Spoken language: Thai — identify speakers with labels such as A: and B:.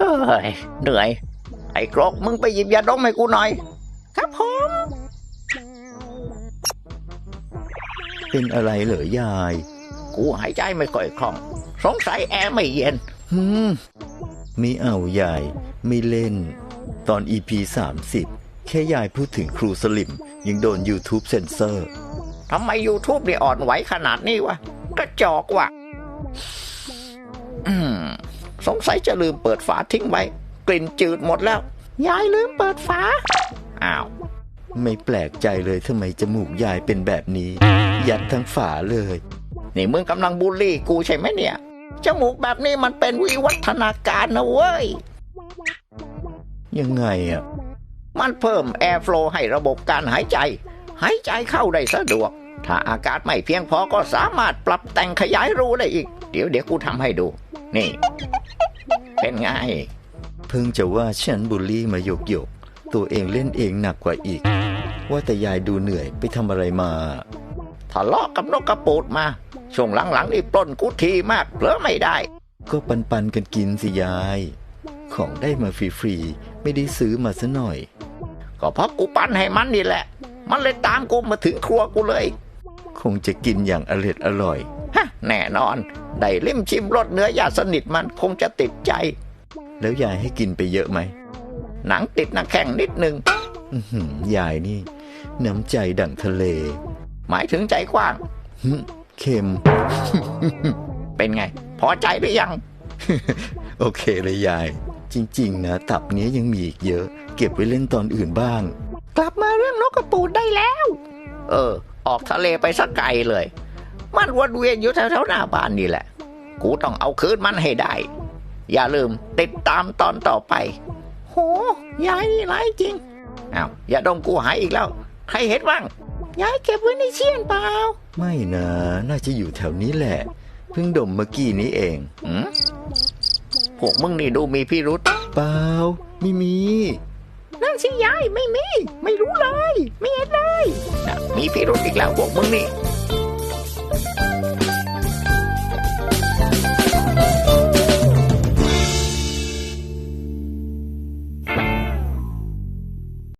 A: ฮ้ยเหนื่อยไอ้กรกมึงไปหยิบยาดมให้กูหน่อยครับผม
B: เป็นอะไรเหรอยาย
A: กูหายใจไม่ค่อยคล่องสงสัยแอร์ไม่เย็น
B: ไม่เอายายไม่เล่นตอน EP 30แค่ยายพูดถึงครูสลิมยังโดน YouTube เซ็นเซอร์
A: ทำไม YouTube เนี่ยอ่อนไหวขนาดนี้วะกระจอกว่ะสงสัยจะลืมเปิดฝาทิ้งไว้กลิ่นจืดหมดแล้วยายลืมเปิดฝาอ้าว
B: ไม่แปลกใจเลยทำไมจมูกยายเป็นแบบนี้ยัดทั้งฝาเลย
A: นี่มึงกำลังบูลลี่กูใช่ไหมเนี่ยจมูกแบบนี้มันเป็นวิวัฒนาการนะเว้ย
B: ยังไงอ่ะ
A: มันเพิ่มแอร์โฟลว์ให้ระบบการหายใจเข้าได้สะดวกถ้าอากาศไม่เพียงพอก็สามารถปรับแต่งขยายรูได้อีกเดี๋ยวกูทำให้ดูนี่เป็นไง
B: เพิ่งจะว่าฉันบูลลี่มาหยกตัวเองเล่นเองหนักกว่าอีกว่าแต่ยายดูเหนื่อยไปทำอะไรมา
A: ทะเลาะกับนกกระปูดมาช่วงหลังๆนี่ปล้นกูทีมากเผลอไม่ได้
B: ก็ปันกันกินสิยายของได้มาฟรีๆไม่ได้ซื้อมาซะหน่อย
A: ก็เพราะกูปั้นให้มันนี่แหละมันเลยตามกูมาถึงครัวกูเลย
B: คงจะกินอย่างอร่อย
A: ฮะแน่นอนได้ลิ้มชิมรสเนื้อยาสนิทมันคงจะติดใจ
B: แล้วยายให้กินไปเยอะไหม
A: หนังติดหน้าแข้งนิดนึง
B: ยายนี่น้ำใจดั่งทะเล
A: หมายถึงใจกว้าง
B: เค็ม
A: เป็นไงพอใจหรือยัง
B: โอเคเลยยายจริงๆนะตับนี้ยังมีอีกเยอะเก็บไว้เล่นตอนอื่นบ้าง
A: กลับมาเรื่องนกกระปูดได้แล้วออกทะเลไปสักไกลเลยมันวนเวียนอยู่แถวๆหน้าบ้านนี่แหละกูต้องเอาคืนมันให้ได้อย่าลืมติดตามตอนต่อไปโหยายนี่ร้ายจริงอ้าวอย่าดมกูหายอีกแล้วใครเห็นบ้างยายเก็บไว้ในเชี่ยนเปล่า
B: ไม่นะน่าจะอยู่แถวนี้แหละเพิ่งดมเมื่อกี้นี้เอง
A: พวกมึงนี่ดูมีพิรุธ
B: เปล่าไม่มี
A: นั่นสิยายไม่มีไม่รู้เลยไม่เห็นเลยมีพิรุธอีกแล้วพวกมึงนี่